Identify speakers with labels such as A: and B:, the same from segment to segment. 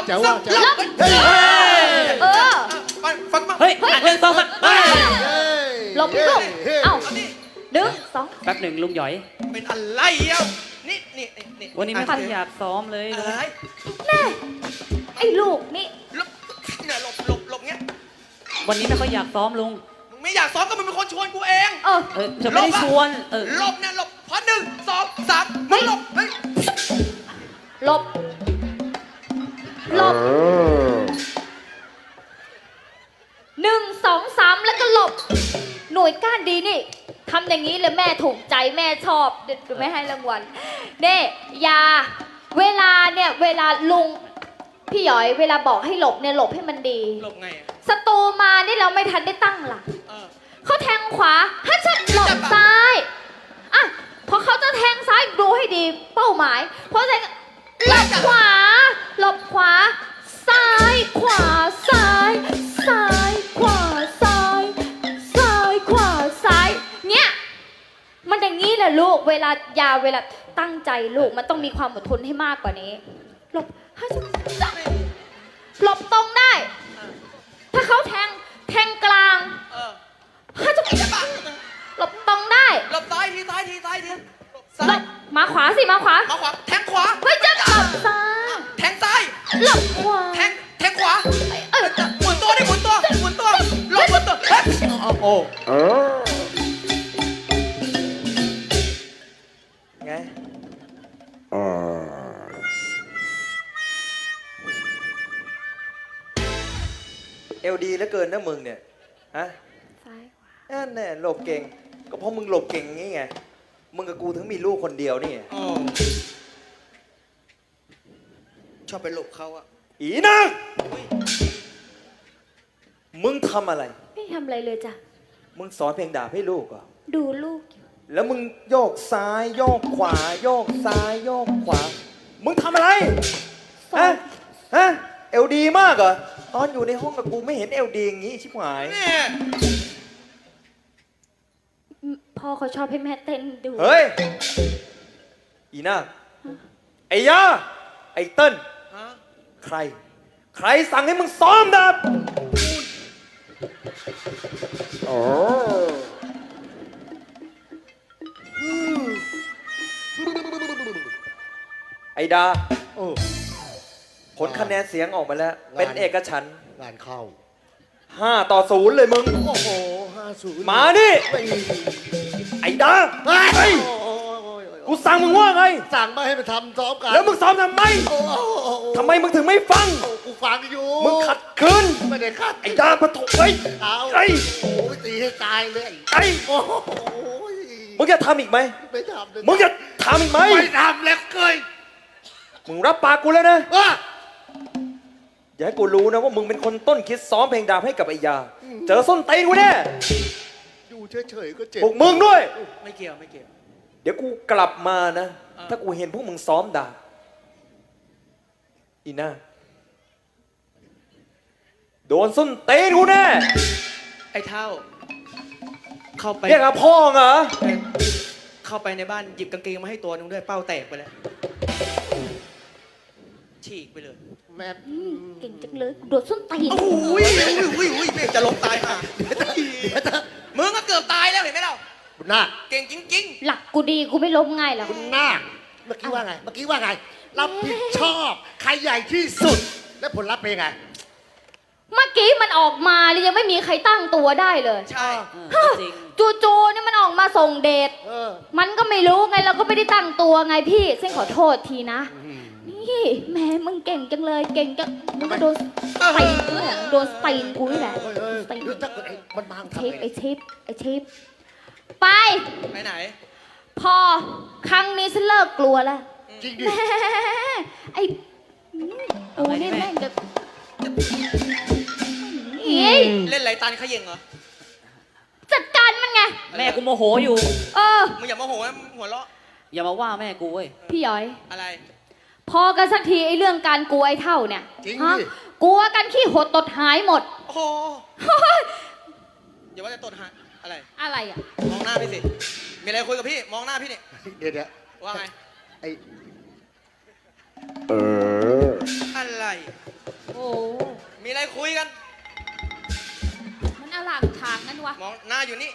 A: เจ้าว่าเจ้า
B: ฟังมา
C: เฮ้ยหนึ่งสองสาม
D: หลบลูกเอ้าหนึ่งสอง
C: แป๊บหนึ่งลุงหยอย
B: เป็นอะไรอ่ะนี่
C: วันนี้ไม่ค่อยอยากซ้อมเลย
B: อะไร
D: แม่ไอ้ลูกนี่
B: หลบเนี่ยหลบเงี้ย
C: วันนี้ไม่ค่อยอยากซ้อมลุง
B: มึงไม่อยากซ้อมก็มึงเป็นคนชวนกูเอง
C: จะไม่ได้ชวน
B: หลบเนี่ยหลบพอ1 2 3มึงหลบเฮ้ย
D: หลบหลบ1 2 3แล้วก็หลบหน่วยก้านดีนี่ทำอย่างนี้เลยแม่ถูกใจแม่ชอบเดี๋ยวไม่ให้รางวัลเนี่ยยาเวลาลุงพี่หยอยเวลาบอกให้หลบเนี่ยหลบให้มันดี
B: หลบไง
D: ศัตรูมานี่เราไม่ทันได้ตั้งหลักเขาแทงขวาฮัชหลบซ้ายอ่ะพอเขาจะแทงซ้ายดูให้ดีเป้าหมายเพราะฉะนั้นหลบขวาหลบขวาซ้ายขวาซ้ายซ้ายขวาซ้ายซ้ายขวาซ้ายเนี่ยมันอย่างนี้แหละลูกเวลาตั้งใจลูกมันต้องมีความอดทนให้มากกว่านี้หลบฮัชหลบตรงได้ถ้าเขาแทงกลางฮัชหลบตรงได้
B: หลบซ้ายทีซ้าย
D: หลบมาขวาสิมาขวา
B: แทงขวา
D: เฮ้ยจะหลบซ้าย
B: แทงซ้าย
D: หลบขวา
B: แทงขวาหมุนตัวหมุนตัวหลบหมุนตัวเฮ้ยโอ้ไงเอลดีเหลือเกินนะมึงเนี่ยฮะ
D: ซ้ายขวา
B: นั่นแน่หลบเก่งก็เพราะมึงหลบเก่งงี้ไงมึงกับกูถึงมีลูกคนเดียวนี่ชอบไปหลบเขาอะอีนังมึงทำอะไร
D: ไม่ทำอะไรเลยจ้ะ
B: มึงสอนเพลงดาบให้ลูกเหรอ
D: ดูลูก
B: แล้วมึงโยกซ้ายโยกขวาโยกซ้ายโยกขวามึงทำอะไรฮะเอลดีมากเหรอตอนอยู่ในห้องกับกูไม่เห็นเอลดีอย่างงี้ชิบหาย
D: พ่อเขาชอบให้แม่เต้นดู
B: เฮ้ยอีน่าไอ้ยาไอ้เติ้ลใครสั่งให้มึงซ้อมดาบไอ้ดาผลคะแนนเสียงออกมาแล้วเป็นเอกฉันท์
A: งานเข้า
B: 5-0เลยมึง
A: โอ้โห5-0
B: มาดิไอ้ดาเฮ้ยกูสั่งมึงว่าไง
A: สั่งมาให้มาทำซ้อมกัน
B: แล้วมึงซ้อมทำไมทำไมมึงถึงไม่ฟัง
A: กูฟังอยู่
B: มึงขัดขืน
A: ไม่ได้ขัด
B: ไอ้ดาปะถูกไอ้
A: ไอ้โอ้ยตีให้ตายเลย
B: ไอ้มึงจะทำอีกไหม
A: ไม่ทำเลย
B: มึงจะทำอีกไหม
A: ไม่ทำแล้วเกย
B: มึงรับปากกูแล้วนะอย่าให้กูรู้นะว่ามึงเป็นคนต้นคิดซ้อมเพลงดาบให้กับไอ้ยาเจอส้นตีนกูแน่
A: อยู่เฉยๆก็เจ็บ
B: พวกมึงด้วย
C: ไม่เกี่ยว
B: เดี๋ยวกูกลับมานะถ้ากูเห็นพวกมึงซ้อมดาบอีน่าโดนส้นตีนกูแน่
C: ไอ้เท่าเข้าไป
B: เรียกพ่อเหรอ
C: เข้าไปในบ้านหยิบกางเกงมาให้ตัวนึงด้วยเป้าแตกไปแล้วฉีกไปเลย
A: แม่
D: เก่งจังเลยโดดส้นตีน
B: อุ้ยแม่จะล้มตายอ่ะมึงก็เกือบตายแล้วเห็นไหมเรา
A: บุญนาค
B: เก่งจริง
D: ๆหลักกูดีกูไม่ล้มง่ายหรอก
A: บุญนาคเมื่อกี้ว่าไงรับผิดชอบใครใหญ่ที่สุดและผลลัพธ์เป็นไง
D: เมื่อกี้มันออกมาเลยยังไม่มีใครตั้งตัวได้เลย
B: ใช่
D: จริงจู่ๆเนี่ยมันออกมาส่งเดชมันก็ไม่รู้ไงเราก็ไม่ได้ตั้งตัวไงพี่เส้นขอโทษทีนะนี่แม่มึงเก่งจังเลยเก่งจังมึงก็โดนตีนกูเนี่ยโดนตีนกูนี่แหละ
A: ตีนมันมา
D: ไอชิปไป
B: ไหน
D: พอครั้งนี้ฉันเลิกกลัวแล้ว
A: จริงดิ
D: ไอ้กูนี่แม่งจะ
B: เล่นไรตันขย่งเหรอ
D: จัดการมันไง
C: แม่กูโมโหอยู่
B: มึงอย่าโมโหนะหัวเราะ
C: อย่ามาว่าแม่กูเว้ย
D: พี่ย้อย
B: อะไร
D: พอกันสักทีไอ้เรื่องการกลัวไอ้เท่าเนี่ย
A: จริงดิ
D: กลัวกันขี้หดตดหายหมด
B: โอ้โหอย่าว่าจะตดหาย
D: อะไรอ่ะ
B: มองหน้าพี่สิมีอะไรคุยกับพี่มองหน้าพี่นี่
A: เดี๋ยว
B: ว่าไงอะไร
C: คุยกัน
D: มันอล่างทางนั่นวะ
C: มองหน้าอยู่นี่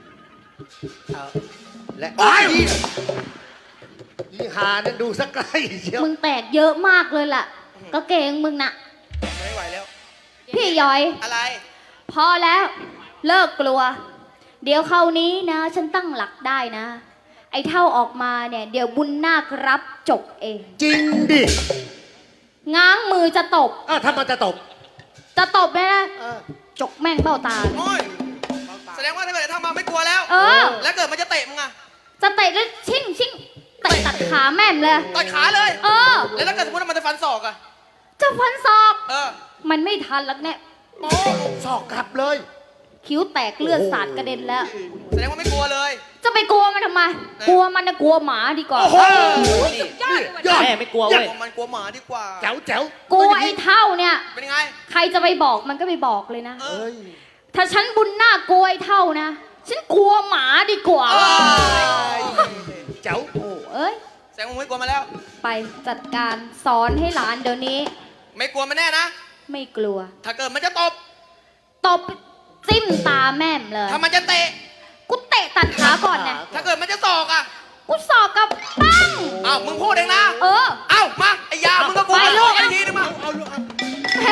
A: และไอ้ยี่หานั่นดูสักไกลเชียว
D: มึงแตกเยอะมากเลยล่ะ ก็เกงมึงน่ะ
C: ไม่ไหวแล้ว
D: พี่ย้อย
C: อะไร
D: พอแล้ว เลิกกลัว เดี๋ยวคราวนี้นะ ฉันตั้งหลักได้นะ ไอ้เท่าออกมาเนี่ย เดี๋ยวบุญนาครับจบเอง
A: จริงดิ
D: ง้างมือจะตบ
A: ถ้ามันจะตบ
D: จะตบไหมนะจกแม่งเบ้าตา
C: โอ้ย แสดงว่าถ้าเกิดไอ้เท่ามาไม่กลัวแล้ว
D: เออ
C: แล้วเกิดมันจะเตะมึงอะ
D: จะเตะแล้วชิ่งเตะตัดขาแม่มเลย
C: ต่อยขาเลย
D: เออ
C: แล้วถ้าเกิดสมมติว่ามันจะฟันศอกอะ
D: จะฟันศอก
C: เออ
D: มันไม่ทันแล้วเนี่ย
C: โอ้
A: สอกกลับเลย
D: คิ้วแตกเลือดสาดกระเด็นแล้ว
C: แสดงว่าไม่กลัวเลย
D: จะไปกลัวมันทำไม กลัวมันนะกลัวหมาดีกว่า
A: โอ้โห
D: สุดยอดเลย
A: ยอด
D: ว่ะ
B: แม่ไม่กลัวเว้ย
C: มันกลัวหมาดีกว่า
A: แจ๋วแจ๋ว
D: กลัวไอ้เท่าเนี่ย
C: เป็นยังไง
D: ใครจะไปบอกมันก็ไปบอกเลยนะ
C: เออ
A: เอ้ย
D: ถ้าฉันบุญหน้ากลัวไอ้เท่านะ ฉันกลัวหมาดีกว่า
A: แจ๋ว
D: โอ้เอ้ย
C: แสดงว่ามึงไม่กลัวมาแล้ว
D: ไปจัดการสอนให้หลานเดี๋ยวนี้
C: ไม่กลัวมันแน่นะ
D: ไม่กลัว
C: ถ้าเกิดมันจะตบ
D: ตบจิ้มตาแม่มเลย
C: ถ้ามันจะเตะ
D: กูเตะตัดขาก่อนนะ
C: ถ้าเกิดมันจะศอกอะ
D: กูสอบกับปั้ง
C: อ้าวมึงพูดเองนะ
D: เออ
C: เอ้ามาไอ้ยา มึงก็กลัว
D: ไปลูก
C: ไอ้ทีนึงมา
D: แหม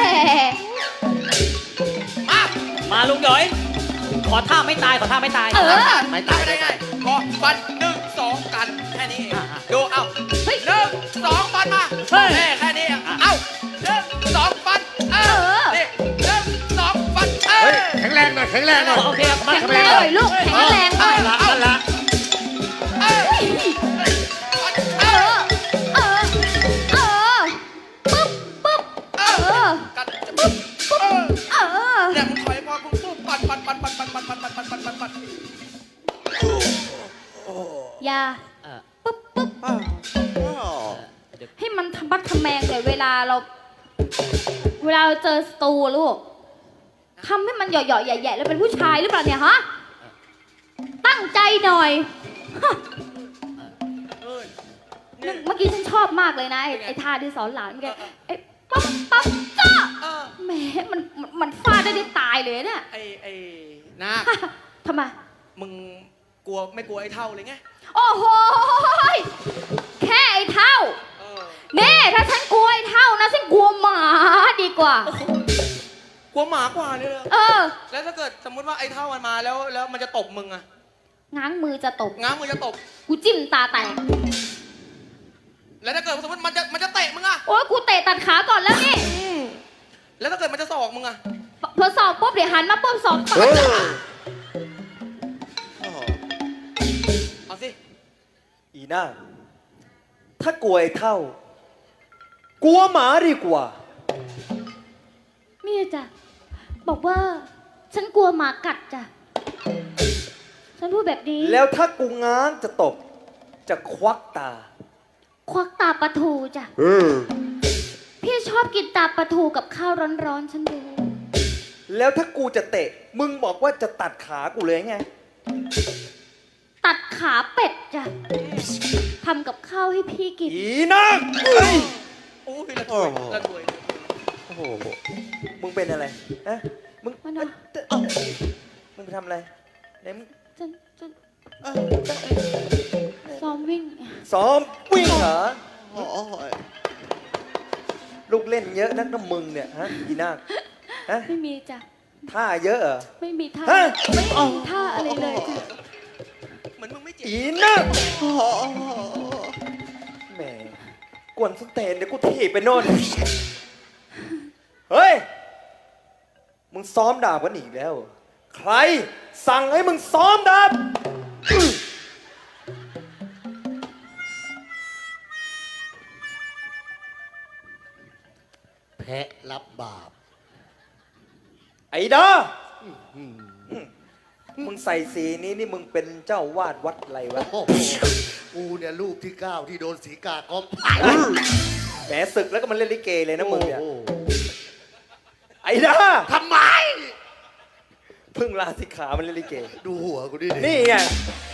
C: มา
B: มาลุงหยอย ขอท่าไม่ตาย ขอท่าไม่ตาย
D: เออ
A: ไม่ตาย
C: ได้ไงพอฟันหนึ่งสองกันแค่นี้เองดูเอ้า
D: เฮ้ย
C: หนึ่งสองฟันมา
B: เฮ้ย
C: แค่นี้เองเอ้าหนึ่งสองฟันเออนี่หนึ่งสองฟันเอ
A: เฮ้ย
C: อ
A: แข็งแรงหน่อยแข็งแรงหน่อย
B: โอเคครับ
A: มา
D: แข็งแรงหน่อยลูกแข็งแรงหน่อย
A: นั่นละนั่นละ
C: เออ
D: เออ เออ เออ ปึ๊บปึ๊บ
C: เอ
D: เอ
C: อ
D: อ
C: กัดปุ๊บเออ
D: เออ
C: เนี่ยมึงถอยพอมึงปุ๊บปัดปัดปัดปัดปัดปัดปัดปัดปัดปัดปัดปัด
D: อย่า
B: เออ
D: ปึ๊บปึ๊บ
B: เดี๋ยว
D: ให้มันทำบัดทำแมงเลยเวลาเราเจอสตูลูกทำให้มันหย่อๆแย่ๆแล้วเป็นผู้ชายหรือเปล่าเนี่ยฮะ ตั้งใจหน่อยฮะ
C: เออ
D: เมื่อกี้ฉันชอบมากเลยนะไอ้ท่าที่สอนหลานเมื่อกี้ไอ้ปั๊บปั๊บจ้า
C: เออ
D: แหมมันฟาดได้ตายเลยเนี่ย
C: ไอ้นาค
D: ทำไม
C: มึงกลัวไม่กลัวไอ้เท่าเลยไง
D: โอ้โหยแค่ไอ้เท่า
C: เออ
D: เน่ถ้าฉันกลัวไอ้เท่านะฉันกลัวหมาดีกว่า
C: กลัวหมากว่าเนี่ยเลย
D: เออ
C: แล้วถ้าเกิดสมมติว่าไอ้เท่ามันมาแล้วมันจะตบมึงอะ
D: ง้างมือจะตบ
C: ง้างมือจะตบ
D: กูจิ้มตาแตก
C: แล้วถ้าเกิดสมมติมันจะเตะมึงอะ
D: โอ้ยกูเตะตัดขาก่อนแล้วนี่
C: แล้วถ้าเกิดมันจะศอกมึงอะ
D: พอสอบปุ๊บเดี๋ยวหันมาปุ๊บสอบต่อ
C: เอาสิ
B: อีน่า ถ้ากลัวไอ้เท่า กลัวหมาดีกว่า
D: มีจ้ะบอกว่า ฉันกลัวหมากัดจ้ะฉันพูดแบบนี้
B: แล้วถ้ากูง้างจะตบ จะควักตา
D: ควักตาปลาทูจ้ะพี่ชอบกินตาปลาทูกับข้าวร้อนๆฉันดู
B: แล้วถ้ากูจะเตะ มึงบอกว่าจะตัดขากูเลยไง
D: ตัดขาเป็ดจ้ะทำกับข้าวให้พี่กิน
B: อีน่าเอ้ย
C: โอ้ยละถวยละถวย
B: โอ้โห มึงเป็นอะไรฮะมึง
D: มันเอา
B: มึงไปทำอะไรไหนมึง
D: ฉันซ้อมวิ่ง
B: ซ้อมวิ่งเหรอ ลูกเล่นเยอะนักนะมึงเนี่ยฮะอีน่าฮะ
D: ไม่มีจ้ะ
B: ท่าเยอะเหรอ
D: ไม่มีท่า
B: ฮะ
D: ไม่มีท่าอะไรเลยจ้ะ
C: เหมือนมึงไม่เจ็บ
B: อีน่าแหมกวนสเตนเดี๋ยวกูถีบไปโน่น เฮ้ย มึงซ้อมดาบกันอีกแล้ว ใครสั่งให้มึงซ้อมดาบ
A: แพะรับบาป
B: ไอ้ดามึงใส่สีนี้นี่มึงเป็นเจ้าวาดวัดอะไรวะ
A: โอ้โหกูเนี่ยรูปที่ 9 ที่โดนสีกาก๊อป
B: แหมศึกแล้วก็มันเล่นลิเกเลยนะมึงเนี่ย
A: โอ้โห
B: ไอ้ดา
A: ทำไม
B: เพิ่งลาสิกขามันเล่นลิเก
A: ดูหัวกูดิ
B: นี่ไง